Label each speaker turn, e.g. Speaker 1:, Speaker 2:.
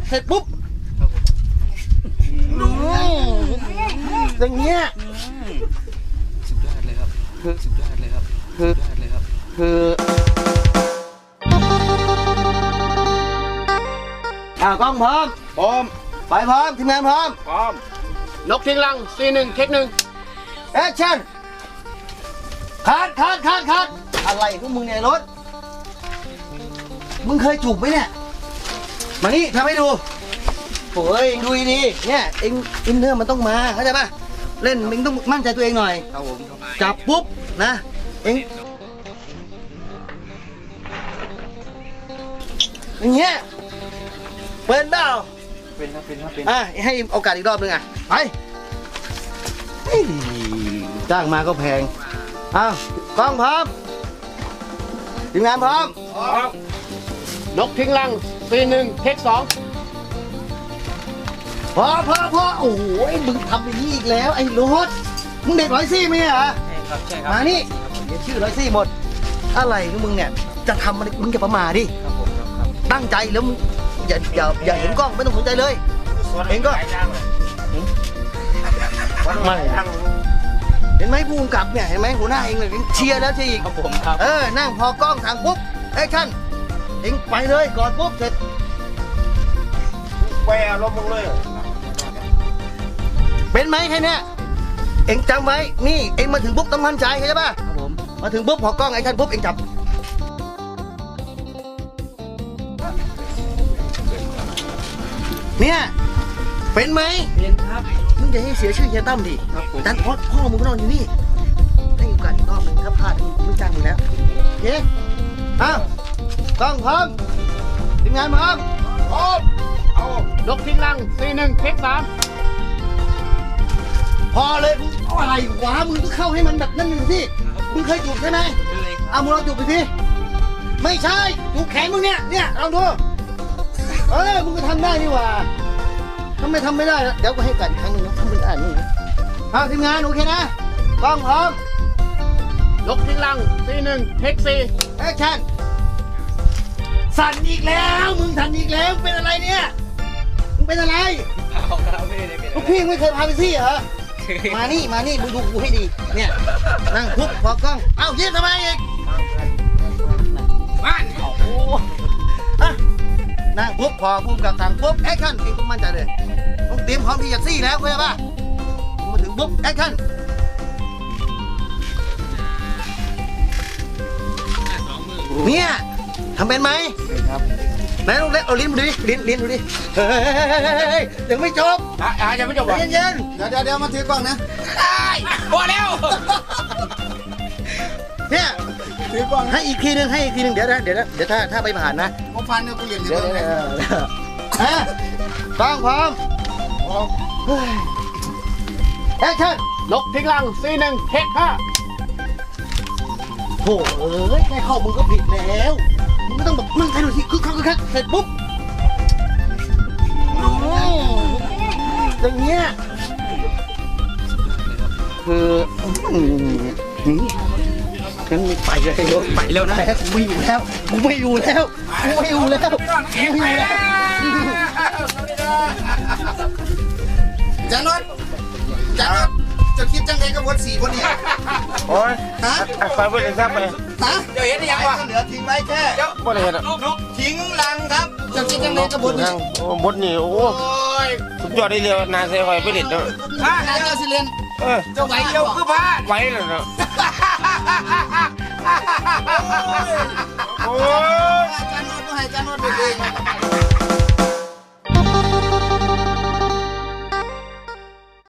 Speaker 1: เสร็จปุ๊บอย่างเงี้ย
Speaker 2: สุดยอดเลยครับสุดยอดเลยครับ
Speaker 1: คือกล้องพร้อมไปพร้อมทีมงานพร้อม
Speaker 3: นกทิ้งรังC1เทค1
Speaker 1: แอคชั่นคัดอะไรพวกมึงเนี่ยรถมึงเคยจูบไหมเนี่ยมานี่ทำให้ดูโอ้ยดูดีๆเนี่ยเอ็งอินเนอร์มันต้องมาเข้าใจป่ะเล่นมึงต้องมั่นใจตัวเองหน่อย
Speaker 2: ครับผม
Speaker 1: จับปุ๊บนะเอ็งอย่างเงี้ยเป็นเปล่า
Speaker 2: เป็นครับ
Speaker 1: ให้โอกาสอีกรอบนึงไปจ้างมาก็แพงกล้องพร้อมทีมงานพร้อม
Speaker 3: นกทิ้งรังC1เทค2
Speaker 1: พอโอ้โหมึงทำอย่างนี้อีกแล้วไอ้รถมึงเด็กร้อยซี่ไหมเหรอ
Speaker 2: ใช่ครับ
Speaker 1: มานี่เดี๋ยวชื่อร้อยซี่หมดอะไรของมึงเนี่ยจะทำอะไรมึงอย่าประมาทดิตั้งใจแล้วมึงอย่าเห็นกล้องไม่ต้องสนใจเลยเองก็ไม่เห็นไหมผู้กำกับเนี่ยเห็นไหมหัวหน้าเองเลยเชียร์แล้วเชียร์อีก
Speaker 2: ครับผมครับ
Speaker 1: นั่งพอกล้องทางปุ๊บแอคชั่นเองไปเลยก่อนปุ๊บเสร็จ
Speaker 3: แวร์ลบมึงเลย
Speaker 1: เป็นไหมแค่นี้เองจำไว้นี่เองมาถึงปุ๊บต้องมั่นใจเข้าใจป่ะ
Speaker 2: ครับผม
Speaker 1: มาถึงปุ๊บพอกล้องแอคชั่นปุ๊บเองจับเนี่ยเป็นไหม
Speaker 2: เป็นครับ
Speaker 1: มึงจะให้เสียชื่อเฮียตั้มดิ
Speaker 2: ครับผม
Speaker 1: แต่พ่อมึงก็นอนอยู่นี่ให้โอกาสอีกรอบนึงถ้าพลาดมึงไม่จ้างมึงแล้วโอเคกล้องพร้อมทีมงานพร้อม
Speaker 3: เอานกทิ้งรังC1เทค3
Speaker 1: พอเลยมึงอะไรวะมึงต้องเข้าให้มันแบบนั่นหนึ่งสิมึงเคยจูบใช่ไหมมึงลองจูบไปสิไม่ใช่จูบแขนมึงเนี่ยลองดูมึงก็ทำได้นี่หว่าทำไมทำไม่ได้เดี๋ยวกูให้กันอีกครั้งหนึ่งนะทำเป็นอ่านนี่นะทีมงานโอเคนะกล้องพร้อม
Speaker 3: นกทิ้งรังC1เทค4
Speaker 1: แอคชั่นสั่นอีกแล้วมึงสั่นอีกแล้วเป็นอะไรเนี่ยมึงเป็นอะไรลูกพี่ไม่เคยพาไปซี่เหรอมานี่มึงดูกูให้ดีเนี่ยนั่งคุกพอกล้องเยี่ยมทำไมอีก
Speaker 3: บ้าน
Speaker 1: นั่งปุ๊บพอปุ๊บกับทางปุ๊บแอคชั่นเองต้องมั่นใจเลยต้องเตรียมพร้อมที่จะซี่แล้วเข้าใจป่ะมาถึงปุ๊บแอคชั่นเนี่ยทำเป็นไหม
Speaker 2: ครับ
Speaker 1: ไหนลองเล่นเอาลิ้นดูดิลิ้นดูดิเฮ้ยยังไม่จบ
Speaker 3: ยังไม่จบเหรอ
Speaker 1: เย็นเดี๋ยวมาถือกล้องนะ
Speaker 3: พอแล้ว
Speaker 1: เนี่ยถือกล้องให้อีกทีนึงเดี๋ยวถ้าไปผ่านนะ
Speaker 2: ผมฟันเนี่ยกูเหยียบ
Speaker 1: เดี๋ยวกล้องพร้อมแอคชั่น
Speaker 3: นกทิ้งรังC1เทค5
Speaker 1: โถ่แค่เข้ามึงก็ผิดแล้วมึงไม่ต้องแบบมึงใครดูสิคึกคักเสร็จปุ๊บอย่างเงี้ยคืองั้นไปเลยไปแล้วนะกูไม่อยู่แล้ว
Speaker 2: จันรถจะคิดจังไงกับวัด4คนนี้
Speaker 3: โอ้ยไปเพื่อนแซ่บไป
Speaker 2: เดี๋ยวเห็นยังวะ
Speaker 1: เหลือทิ้งไว้แค่
Speaker 3: บ่ได้เห็น
Speaker 2: ทิ้งรังครับจะคิดจังไงกับบดนี้
Speaker 3: บดนี่โอ้สุดยอดได้เรียวนาเซ่คอยไปเด็ดเนาะ
Speaker 2: นาเจ้าสิเรียนเจ้าไหวเจ้าคือพลาด
Speaker 3: ไหวเลยเนาะ